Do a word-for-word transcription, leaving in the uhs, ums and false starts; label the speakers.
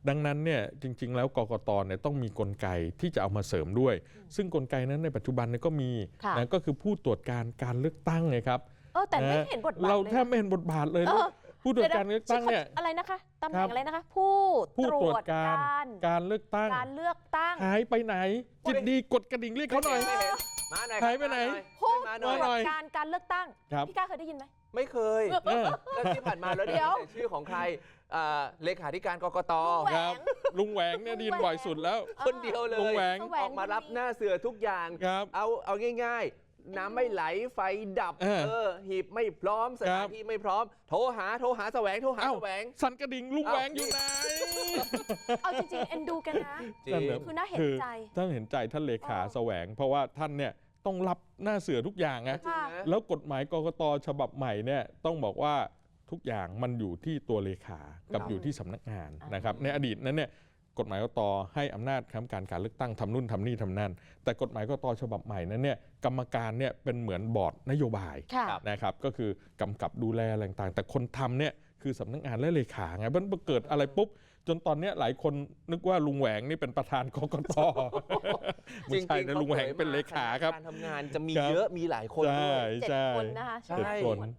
Speaker 1: ดังนั้นเนี่ยจริงๆแล้วกกตเนี่ยต้องมีกลไกที่จะเอามาเสริมด้วยซึ่งกลไกนั้นในปัจจุบันเนี่ยก็มีนะก็คือผู้ตรวจการการเลือกตั้งไงครับ
Speaker 2: เออแต่ไม่เห็นบทบาท
Speaker 1: เราแทบไม่เห็นบทบาทเลยผู้ตรวจการเลือกตั้งเนี่ย
Speaker 2: อะไรนะคะตำแหน่งอะไรนะคะผู้ตรวจการ
Speaker 1: การเลือกตั้ง
Speaker 2: การเลือกตั้ง
Speaker 1: หายไปไหนจิตดีกดกระดิ่งเรียกเขาหน่อยหายไปไหน
Speaker 2: ผู้ตรวจการการเลือกตั้งพี่ก้าเคยได้ยินไหม
Speaker 3: ไม่เคยแล้วที่ผ่านมาแล้วเดี๋ยวชื่อของใครเลขาธิการกกต
Speaker 1: ครับลุงแหวงเนี่ยดีนบ่อยสุดแล้ว
Speaker 3: คนเดียวเลย
Speaker 1: ลุงแหวง
Speaker 3: ออกมารับหน้าเสือทุกอย่างเอาเอาง่ายๆน้ำไม่ไหลไฟดับเออหีบไม่พร้อมสถานที่ไม่พร้อมโทรหาโทรหาแสวงโทรหาแสวง
Speaker 1: สั่นกระดิ่งลุงแหวงอยู่ไหน
Speaker 2: เอาจริงๆเอ็นดูกันนะคือน่าเห็นใจ
Speaker 1: ท่านเห็นใจท่านเลขาแสวงเพราะว่าท่านเนี่ยต้องรับหน้าเสือทุกอย่างนะแล้วกฎหมายกกตฉบับใหม่เนี่ยต้องบอกว่าทุกอย่างมันอยู่ที่ตัวเลขากับอยู่ที่สำนักงานนะครับในอดีตนั้นเนี่ยกฎหมายกกตให้อำนาจคณะกรรมการการเลือกตั้งทำนู่นทำนี่ทำนั่นแต่กฎหมายกกตฉบับใหม่นั้นเนี่ยกรรมการเนี่ยเป็นเหมือนบอร์ดนโยบายนะครับก็คือกำกับดูแลอะไรต่างๆแต่คนทำเนี่ยคือสำนักงานและเลขาไงมันเกิดอะไรปุ๊บจนตอนนี้หลายคนนึกว่าลุงแหวงนี่เป็นประธานกกตไม่ใช่นะลุงแหวงเป็นเลขาครับ
Speaker 3: การทำงานจะมีเยอะมีหลายคนด้วย
Speaker 2: เจ็ดคนนะคะ
Speaker 1: เจ็ดคน